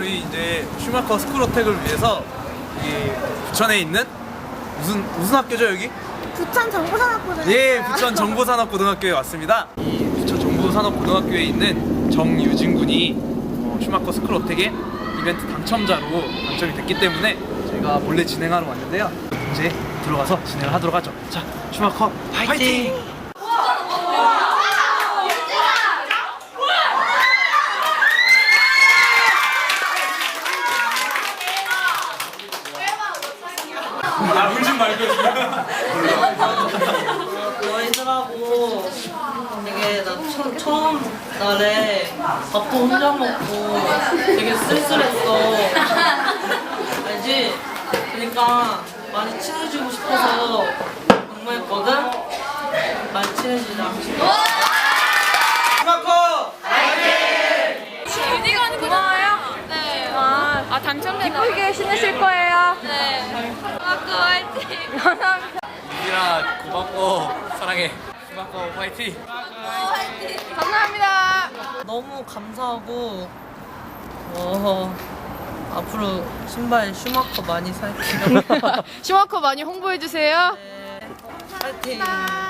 저희 이제 슈마커 스쿨어택을 위해서 이 부천에 있는 무슨 학교죠 여기? 부천 정보산업고등학교. 예, 부천 정보산업고등학교에 왔습니다. 이 부천 정보산업고등학교에 있는 정유진 군이 슈마커 스쿨어택의 이벤트 당첨자로 당첨이 됐기 때문에 저희가 몰래 진행하러 왔는데요. 이제 들어가서 진행을 하도록 하죠. 자, 슈마커 파이팅! 울지 말고. 너희들하고 되게 나 처음 날에 밥도 혼자 먹고 되게 쓸쓸했어. 알지? 그러니까 많이 친해지고 싶어서 공부했거든? 많이 친해지자. 슈마커! 유디가 고마워요. 네. 아 당첨됐나? 기쁘게 신으실 거예요. 네. 고맙고 화이팅. 감사합니다. 유진아 고맙고 사랑해. 슈마커 파이팅! 감사합니다. 너무 감사하고 앞으로 신발 슈마커 많이 살게요. 슈마커 많이 홍보해 주세요. 네. 파이팅.